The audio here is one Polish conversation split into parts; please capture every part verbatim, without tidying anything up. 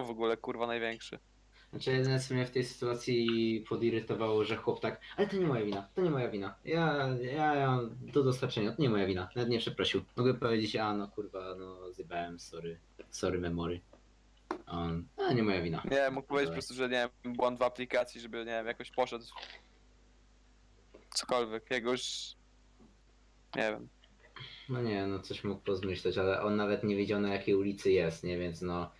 w ogóle, kurwa, największy? Znaczy jedyne co mnie w tej sytuacji podirytowało, że chłop tak, ale to nie moja wina, to nie moja wina. Ja, ja, ja do dostarczenia, to nie moja wina. Nawet nie przeprosił. Mogę powiedzieć, a no kurwa, no zjebałem, sorry, sorry memory. A on, a nie moja wina. Nie, mógł powiedzieć po Dalej. prostu, że nie wiem, błąd w aplikacji, żeby, nie wiem, jakoś poszedł. Cokolwiek, jego już... Nie wiem. No nie, no coś mógł pozmyśleć, ale on nawet nie wiedział na jakiej ulicy jest, nie, więc no.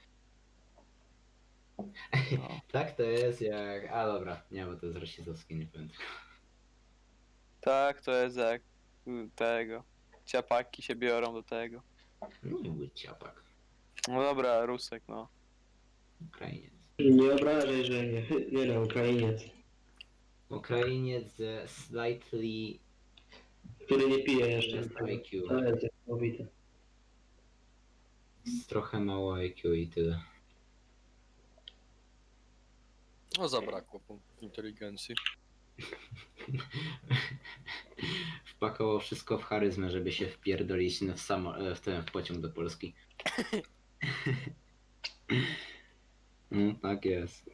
No. Tak to jest jak, a dobra, nie, bo to jest rasistowskie, nie powiem tego. Tak, to jest jak y, tego. Ciapaki się biorą do tego. Nie był ciapak, No dobra, Rusek, no. Ukrainiec. Nie obrażaj, że nie, nie no, Ukrainiec, Ukrainiec ze slightly który nie pije jeszcze. less I Q. To jest niesamowite. Z trochę mało I Q i tyle. No zabrakło punktów inteligencji. Wpakował wszystko w charyzmę, żeby się wpierdolić w, samo, w ten w pociąg do Polski. No, tak jest.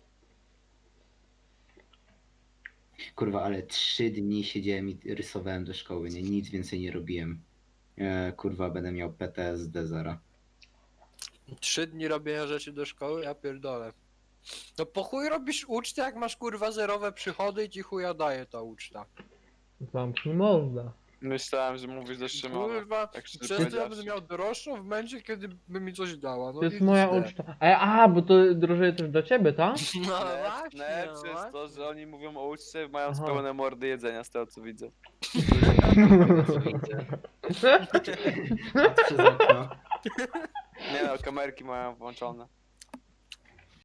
Kurwa, ale trzy dni siedziałem i rysowałem do szkoły, nie? Nic więcej nie robiłem. E, kurwa, będę miał P T S D zara. Trzy dni robienia rzeczy do szkoły, ja pierdolę. No po chuj robisz ucztę, jak masz kurwa zerowe przychody i ci chuja daje ta uczta. Zamknij morda. Myślałem, że mówisz do Szymona. Kurwa, Tak szczerze przez to ja będę powiedziawszy. miał droższą w momencie, kiedy by mi coś dała. No To jest i moja źle. uczta. A, a, bo to drożeje też do ciebie, tak? No Najlepsze właśnie, najlepsze jest to, właśnie. że oni mówią o uczcie, mając Aha. pełne mordy jedzenia, z tego co widzę. Co widzę. Patrz przez okno. Nie no, kamerki mają włączone.